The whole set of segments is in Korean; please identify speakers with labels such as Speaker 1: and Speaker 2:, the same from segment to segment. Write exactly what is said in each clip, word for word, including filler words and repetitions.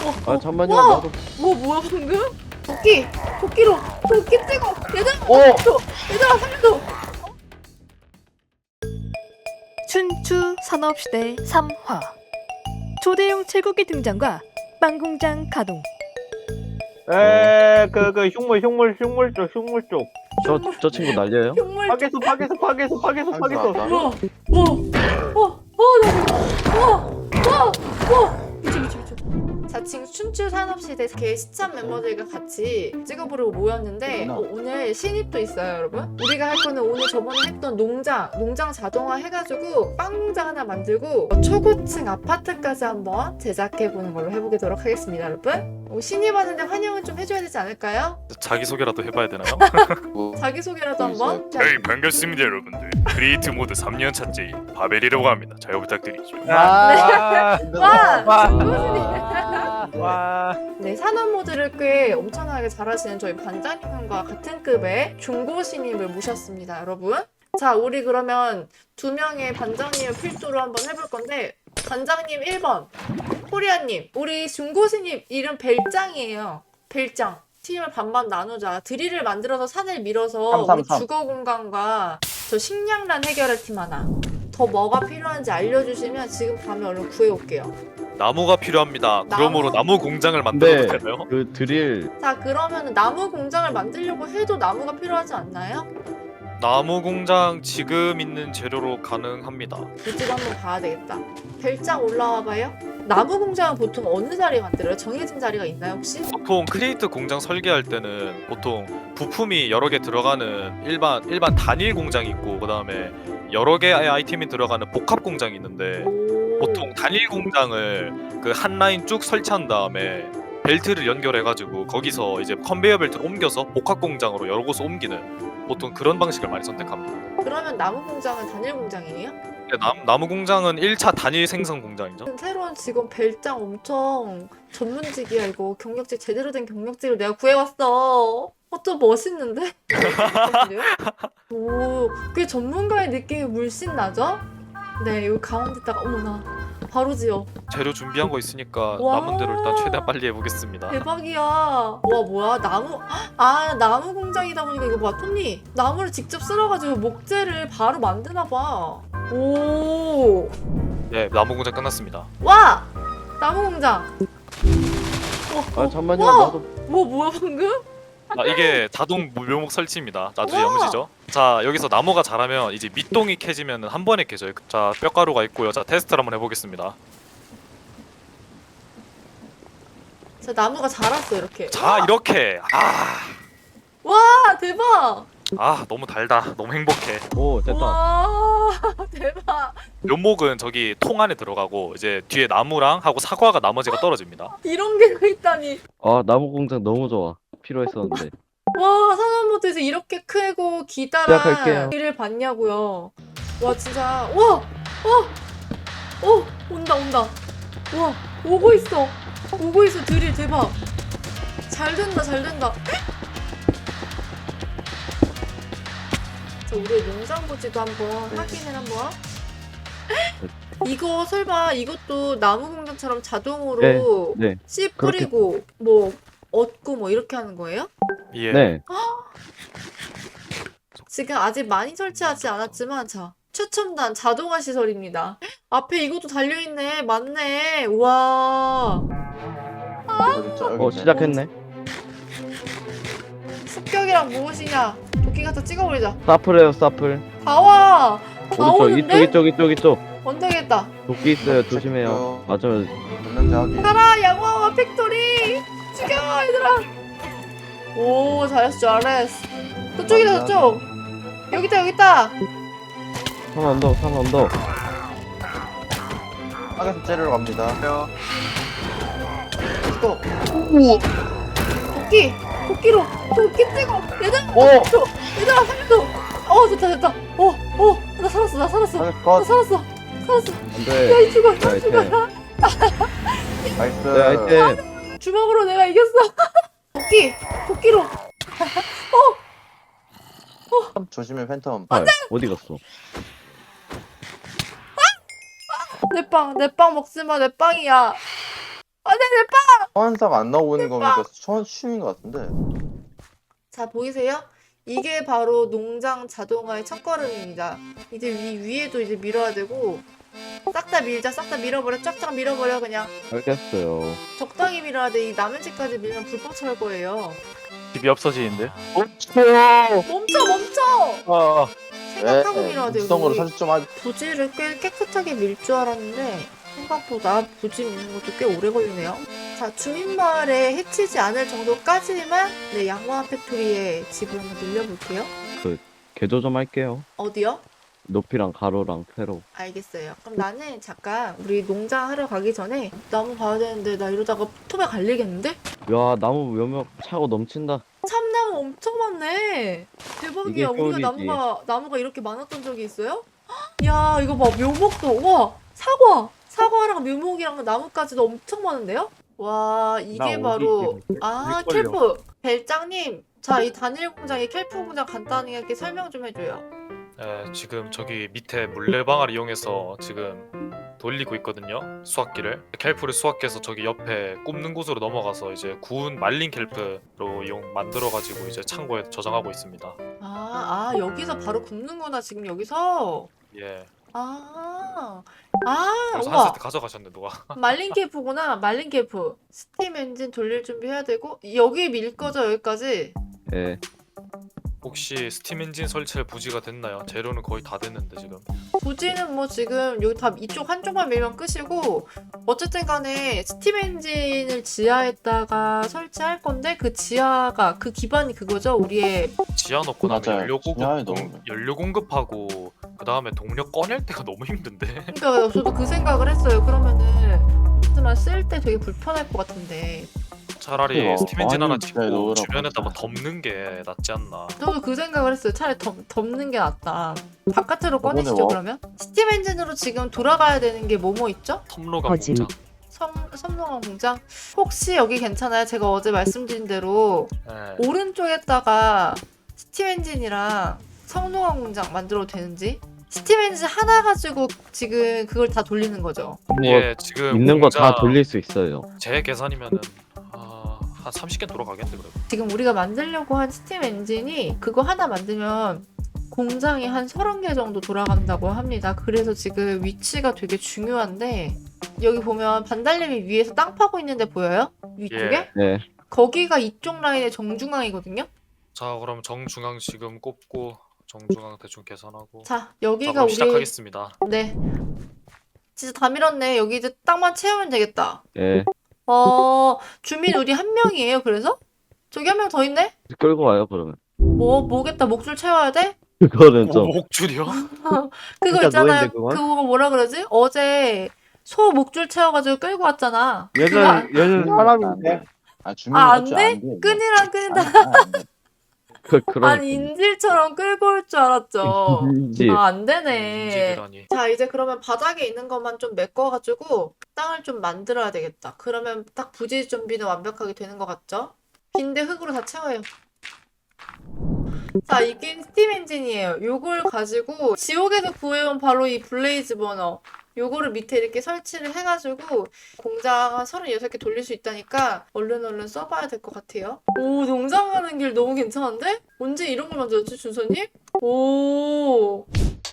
Speaker 1: 아 잠만요.
Speaker 2: 와!
Speaker 1: 나도.
Speaker 2: 뭐 뭐야 방금? 도끼! 도끼로! 도끼 찍어! 얘들아!
Speaker 1: 어!
Speaker 2: 살려줘! 얘들아 살려줘!
Speaker 3: 춘추 산업시대 삼 화 초대형 쇠고기 등장과 빵공장 가동.
Speaker 4: 에, 그, 그, 흉물, 흉물, 흉물 쪽, 흉물 쪽.
Speaker 1: 저 저 친구 날려요?
Speaker 2: 흉물
Speaker 4: 파괴수, 파괴수, 파괴수, 파괴수, 파괴수.
Speaker 2: 와! 와! 와! 와! 나 와! 와! 와! 미쳐 미쳐 미쳐. 자칭 춘추 산업시대 개 시참 멤버들과 같이 찍어보려고 모였는데 어, 오늘 신입도 있어요 여러분. 우리가 할 거는 오늘 저번에 했던 농장 농장 자동화 해가지고 빵 공장 하나 만들고 어, 초고층 아파트까지 한번 제작해보는 걸로 해보도록 하겠습니다 여러분. 어, 신입 왔는데 환영은 좀 해줘야 되지 않을까요?
Speaker 5: 자기소개라도 해봐야 되나요?
Speaker 2: 자기소개라도 한번. 자,
Speaker 5: 네, 반갑습니다 여러분들. 크리에이트 모드 삼 년 차째인 바벨이라고 합니다. 잘 부탁드리죠.
Speaker 4: 와,
Speaker 2: 와!
Speaker 4: 와,
Speaker 2: 중고신입.
Speaker 4: 와.
Speaker 2: 네, 산업 모드를 꽤 엄청나게 잘하시는 저희 반장님과 같은 급의 중고 신입을 모셨습니다, 여러분. 자, 우리 그러면 두 명의 반장님을 필두로 한번 해볼 건데, 반장님 일 번, 코리아님, 우리 중고 신입 이름 벨짱이에요. 벨짱. 팀을 반반 나누자. 드릴을 만들어서 산을 밀어서
Speaker 4: 삼, 삼,
Speaker 2: 우리
Speaker 4: 삼.
Speaker 2: 주거 공간과 저 식량란 해결할 팀 하나. 더 뭐가 필요한지 알려주시면 지금 밤에 얼른 구해올게요.
Speaker 5: 나무가 필요합니다.
Speaker 2: 나무?
Speaker 5: 그러므로 나무 공장을 만들어도
Speaker 1: 네.
Speaker 5: 되나요?
Speaker 1: 그 드릴
Speaker 2: 자, 그러면 나무 공장을 만들려고 해도 나무가 필요하지 않나요?
Speaker 5: 나무 공장 지금 있는 재료로 가능합니다.
Speaker 2: 이쪽 한번 봐야 되겠다. 별장 올라와 봐요. 나무 공장은 보통 어느 자리에 만들어요? 정해진 자리가 있나요 혹시?
Speaker 5: 보통 크리에이트 공장 설계할 때는 보통 부품이 여러 개 들어가는 일반 일반 단일 공장이 있고 그다음에 여러 개의 아이템이 들어가는 복합 공장이 있는데
Speaker 2: 오.
Speaker 5: 보통 단일 공장을 그 한 라인 쭉 설치한 다음에 벨트를 연결해가지고 거기서 이제 컨베이어 벨트를 옮겨서 복합 공장으로 여러 곳을 옮기는 보통 그런 방식을 많이 선택합니다.
Speaker 2: 그러면 나무 공장은 단일 공장이에요?
Speaker 5: 근데 남, 나무 공장은 일 차 단일 생산 공장이죠.
Speaker 2: 새로운 직원 별장 엄청 전문직이야 이거. 경력직 제대로 된 경력직을 내가 구해왔어. 어, 좀 멋있는데? 오, 꽤 전문가의 느낌이 물씬 나죠? 네, 여기 가운데다가 어머나 바로 지어.
Speaker 5: 재료 준비한 거 있으니까
Speaker 2: 와.
Speaker 5: 남은 대로 일단 최대한 빨리 해보겠습니다.
Speaker 2: 대박이야. 와 뭐야 나무 아 나무 공장이다 보니까 이거 봐 토니 나무를 직접 쓸어가지고 목재를 바로 만드나 봐. 오.
Speaker 5: 네, 나무 공장 끝났습니다.
Speaker 2: 와 나무 공장. 와,
Speaker 1: 아 잠만요.
Speaker 2: 와!
Speaker 1: 나도.
Speaker 2: 뭐 뭐야 방금?
Speaker 5: 아, 이게 자동 묘목 설치입니다. 나중에
Speaker 2: 우와.
Speaker 5: 영시죠. 자, 여기서 나무가 자라면 이제 밑동이 캐지면 한 번에 캐져요. 자, 뼈가루가 있고요. 자, 테스트를 한번 해보겠습니다.
Speaker 2: 자 나무가 자랐어 이렇게.
Speaker 5: 자, 이렇게. 아,
Speaker 2: 와 대박.
Speaker 5: 아, 너무 달다. 너무 행복해.
Speaker 1: 오 됐다.
Speaker 2: 와 대박.
Speaker 5: 묘목은 저기 통 안에 들어가고 이제 뒤에 나무랑 하고 사과가 나머지가 떨어집니다.
Speaker 2: 이런 게 있다니.
Speaker 1: 아 나무 공장 너무 좋아. 필요했었는데.
Speaker 2: 와 산업모드에서 이렇게 크고 기다란
Speaker 1: 시작할게요.
Speaker 2: 일을 봤냐고요. 와 진짜 와, 와, 어 온다 온다. 와 오고 있어, 오고 있어 드릴 대박. 잘 된다 잘 된다. 자 우리 농장부지도 한번 확인을 한번. 이거 설마 이것도 나무 공장처럼 자동으로
Speaker 1: 네.
Speaker 2: 씨
Speaker 1: 그렇게-
Speaker 2: 뿌리고 뭐 얻고 뭐 이렇게 하는 거예요?
Speaker 5: 예.
Speaker 1: 네.
Speaker 2: 지금 아직 많이 설치하지 않았지만 자 최첨단 자동화 시설입니다. 앞에 이것도 달려있네. 맞네. 우와.
Speaker 1: 어 시작했네.
Speaker 2: 습격이란 무엇이냐. 도끼 갖다 찍어버리자.
Speaker 1: 사플해요 사플.
Speaker 2: 다 와. 다
Speaker 1: 오른쪽
Speaker 2: 오는데?
Speaker 1: 이쪽 이쪽 이쪽 이쪽.
Speaker 2: 언덕에다.
Speaker 1: 도끼 있어요. 조심해요. 맞아요.
Speaker 2: 가라 양호와 팩토리. 죽여 얘들아. 오 잘했어 잘했어. 저쪽이다 저쪽. 여기다 여기다.
Speaker 1: 산 언덕 산 언덕.
Speaker 4: 파괴수 째려러 갑니다.
Speaker 2: 또. 우와. 도끼. 도끼로. 도끼 찍어. 얘들아.
Speaker 1: 오!
Speaker 2: 저, 얘들아 살려줘. 어 됐다 됐다. 어어 나 살았어 나 살았어.
Speaker 4: 파괴수
Speaker 2: 나
Speaker 4: 컷.
Speaker 2: 살았어. 살았어.
Speaker 1: 안돼.
Speaker 2: 야 이 죽어 야
Speaker 1: 네,
Speaker 2: 죽어.
Speaker 4: 나이스.
Speaker 1: 네 아이템.
Speaker 2: 주먹으로 내가 이겼어. 도끼. 도끼로.
Speaker 4: 조심해 팬텀.
Speaker 1: 아, 어디 갔어?
Speaker 2: 내 빵. 내 빵 먹지 마. 내 빵이야. 안돼
Speaker 4: 소환사가 안 나오는 거니까 소환 쉬운 것 같은데.
Speaker 2: 자, 보이세요? 이게 바로 농장 자동화의 첫걸음입니다. 이제 위, 위에도 이제 밀어야 되고 싹 다 밀자, 싹 다 밀어버려, 쫙쫙 밀어버려. 그냥
Speaker 1: 알겠어요.
Speaker 2: 적당히 밀어야 돼. 이 남은 집까지 밀면 불법 처할 거예요.
Speaker 6: 집이 없어지는데?
Speaker 2: 멈춰, 멈춰!
Speaker 6: 아,
Speaker 2: 생각하고 밀어야 돼요.
Speaker 4: 육성으로
Speaker 2: 우리.
Speaker 4: 사실 좀 하...
Speaker 2: 부지를 꽤 깨끗하게 밀 줄 알았는데 생각보다 부지 미는 것도 꽤 오래 걸리네요. 자, 주민마을에 해치지 않을 정도까지만 네, 양호한 팩토리에 집을 한번 늘려볼게요.
Speaker 1: 개조 좀 할게요.
Speaker 2: 어디요?
Speaker 1: 높이랑 가로랑 세로.
Speaker 2: 알겠어요. 그럼 나는 잠깐 우리 농장 하러 가기 전에 나무 봐야 되는데 나 이러다가 톱에 갈리겠는데?
Speaker 1: 야, 나무 묘목 차고 넘친다.
Speaker 2: 참나무 엄청 많네. 대박이야.
Speaker 1: 이게
Speaker 2: 우리가
Speaker 1: 효율이지.
Speaker 2: 나무가 나무가 이렇게 많았던 적이 있어요? 헉, 야, 이거 봐. 묘목도 와 사과 사과랑 묘목이랑 나무까지도 엄청 많은데요? 와, 이게
Speaker 6: 나
Speaker 2: 바로
Speaker 6: 어디
Speaker 2: 아
Speaker 6: 걸려.
Speaker 2: 켈프 벨장님. 자, 이 단일 공장의 켈프 공장 간단하게 설명 좀 해줘요.
Speaker 5: 네, 지금 저기 밑에 물레방아를 이용해서 지금 돌리고 있거든요. 수확기를. 켈프를 수확해서 저기 옆에 굽는 곳으로 넘어가서 이제 구운 말린 켈프로 이용 만들어가지고 이제 창고에 저장하고 있습니다.
Speaker 2: 아, 아 여기서 바로 굽는구나 지금 여기서.
Speaker 5: 예.
Speaker 2: 아, 아,
Speaker 5: 그래서 한
Speaker 2: 우와.
Speaker 5: 세트 가져가셨네 누가.
Speaker 2: 말린 케이프구나. 말린 케이프. 스팀 엔진 돌릴 준비 해야 되고 여기 밀 거죠 여기까지.
Speaker 1: 예.
Speaker 5: 혹시 스팀 엔진 설치할 부지가 됐나요? 재료는 거의 다 됐는데 지금.
Speaker 2: 부지는 뭐 지금 여기 다 이쪽 한쪽만 밀면 끝이고 어쨌든 간에 스팀 엔진을 지하에다가 설치할 건데 그 지하가 그 기반이 그거죠 우리의.
Speaker 5: 지하 넣고 나면
Speaker 4: 맞아요.
Speaker 5: 연료 공급
Speaker 4: 지하에
Speaker 5: 공,
Speaker 4: 넣으면.
Speaker 5: 연료 공급하고 그 다음에 동력 꺼낼 때가 너무 힘든데.
Speaker 2: 그러니까 저도 그 생각을 했어요. 그러면은 하지만 쓸 때 되게 불편할 것 같은데.
Speaker 5: 차라리
Speaker 4: 그래요.
Speaker 5: 스팀 엔진 하나
Speaker 4: 아니,
Speaker 5: 짓고
Speaker 4: 잘 넣으라고
Speaker 5: 주변에다 뭐
Speaker 4: 하지.
Speaker 5: 덮는 게 낫지 않나.
Speaker 2: 저도 그 생각을 했어요. 차라리 덮, 덮는 게 낫다. 바깥으로
Speaker 4: 저번에
Speaker 2: 꺼내시죠
Speaker 4: 와-
Speaker 2: 그러면? 스팀 엔진으로 지금 돌아가야 되는 게 뭐뭐 있죠?
Speaker 5: 텀로감
Speaker 3: 거짓.
Speaker 5: 공장.
Speaker 2: 섬, 섬농원 공장? 혹시 여기 괜찮아요? 제가 어제 말씀드린 대로
Speaker 5: 예.
Speaker 2: 오른쪽에다가 스팀 엔진이랑 섬농원 공장 만들어도 되는지? 스팀 엔진 하나 가지고 지금 그걸 다 돌리는 거죠.
Speaker 1: 뭐
Speaker 5: 예, 지금
Speaker 1: 있는 거 다
Speaker 5: 공장
Speaker 1: 돌릴 수 있어요.
Speaker 5: 제 계산이면은 아, 한 삼십 개 돌아가겠는데 그래도.
Speaker 2: 지금 우리가 만들려고 한 스팀 엔진이 그거 하나 만들면 공장이 한 서른 개 정도 돌아간다고 합니다. 그래서 지금 위치가 되게 중요한데 여기 보면 반달님이 위에서 땅 파고 있는데 보여요? 위쪽에?
Speaker 5: 예.
Speaker 1: 네.
Speaker 2: 거기가 이쪽 라인의 정중앙이거든요?
Speaker 5: 자, 그럼 정중앙 지금 꼽고 정중앙 대충 계산하고.
Speaker 2: 자,
Speaker 5: 자,
Speaker 2: 여기가
Speaker 5: 그럼
Speaker 2: 우리
Speaker 5: 시작하겠습니다.
Speaker 2: 네. 진짜 다 밀었네. 여기 이제 땅만 채우면 되겠다.
Speaker 1: 예.
Speaker 2: 어, 주민 우리 한 명이에요, 그래서? 저기 한 명 더 있네?
Speaker 1: 끌고 와요, 그러면.
Speaker 2: 뭐, 뭐겠다. 목줄 채워야 돼?
Speaker 1: 그거는 좀.
Speaker 5: 오, 목줄이요?
Speaker 2: 그거
Speaker 1: 진짜
Speaker 2: 있잖아요.
Speaker 1: 노예인데, 그건?
Speaker 2: 그거 뭐라 그러지? 어제 소 목줄 채워가지고 끌고 왔잖아. 그거 안-
Speaker 6: 얘는 얘는 사람인데.
Speaker 4: 아, 주민
Speaker 2: 아, 안
Speaker 4: 맞죠?
Speaker 2: 돼?
Speaker 4: 안 돼.
Speaker 2: 끈이랑 끈이다.
Speaker 4: 아, 안 돼.
Speaker 1: 그, 그러니까.
Speaker 2: 아니, 인질처럼 끌고 올 줄 알았죠.
Speaker 1: 인지.
Speaker 2: 아, 안 되네.
Speaker 5: 인질이라니.
Speaker 2: 자, 이제 그러면 바닥에 있는 것만 좀 메꿔가지고 땅을 좀 만들어야 되겠다. 그러면 딱 부지 준비는 완벽하게 되는 것 같죠? 빈대 흙으로 다 채워요. 자, 이게 스팀 엔진이에요. 요걸 가지고 지옥에서 구해온 바로 이 블레이즈 버너. 요거를 밑에 이렇게 설치를 해가지고 공장 한 서른여섯 개 돌릴 수 있다니까 얼른 얼른 써봐야 될 것 같아요. 오, 농장 가는 길 너무 괜찮은데? 언제 이런 걸 만들었지, 준서님? 오.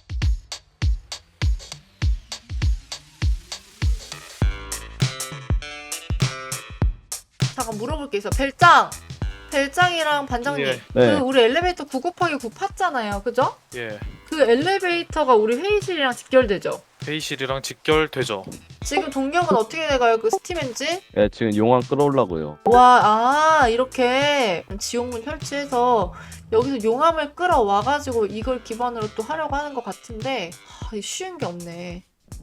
Speaker 2: 잠깐 물어볼 게 있어. 벨짱! 벨짱이랑 반장님.
Speaker 5: 예.
Speaker 1: 네.
Speaker 2: 그 우리 엘리베이터 구 곱하기 구 팠잖아요. 그죠?
Speaker 5: 예.
Speaker 2: 그 엘리베이터가 우리 회의실이랑 직결되죠?
Speaker 5: 회의실이랑 직결되죠.
Speaker 2: 지금 동력은 어떻게 돼가요? 그 스팀 엔진?
Speaker 1: 예, 지금 용암 끌어올라고요.
Speaker 2: 와, 아, 이렇게 지옥문 설치해서 여기서 용암을 끌어와가지고 이걸 기반으로 또 하려고 하는 것 같은데, 하, 쉬운 게 없네.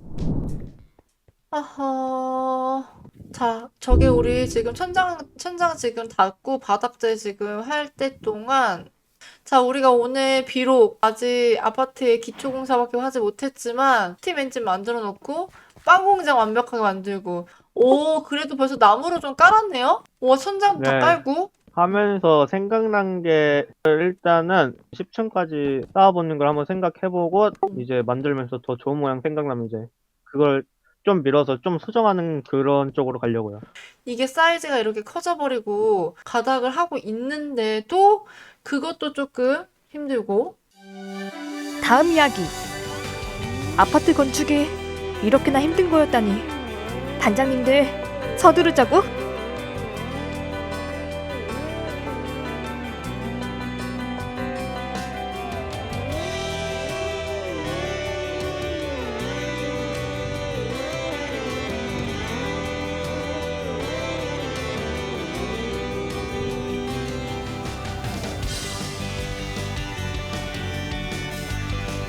Speaker 2: 아하. 자, 저게 우리 지금 천장, 천장 지금 닫고 바닥재 지금 할 때 동안, 자, 우리가 오늘 비록 아직 아파트에 기초공사밖에 하지 못했지만, 스팀 엔진 만들어 놓고, 빵 공장 완벽하게 만들고, 오, 그래도 벌써 나무로 좀 깔았네요? 와, 천장도 다
Speaker 6: 네.
Speaker 2: 깔고.
Speaker 6: 하면서 생각난 게 일단은 십 층까지 쌓아보는 걸 한번 생각해보고 이제 만들면서 더 좋은 모양 생각나면 이제 그걸 좀 밀어서 좀 수정하는 그런 쪽으로 가려고요.
Speaker 2: 이게 사이즈가 이렇게 커져버리고 가닥을 하고 있는데도 그것도 조금 힘들고.
Speaker 3: 다음 이야기. 아파트 건축이 이렇게나 힘든 거였다니. 단장님들 서두르자고.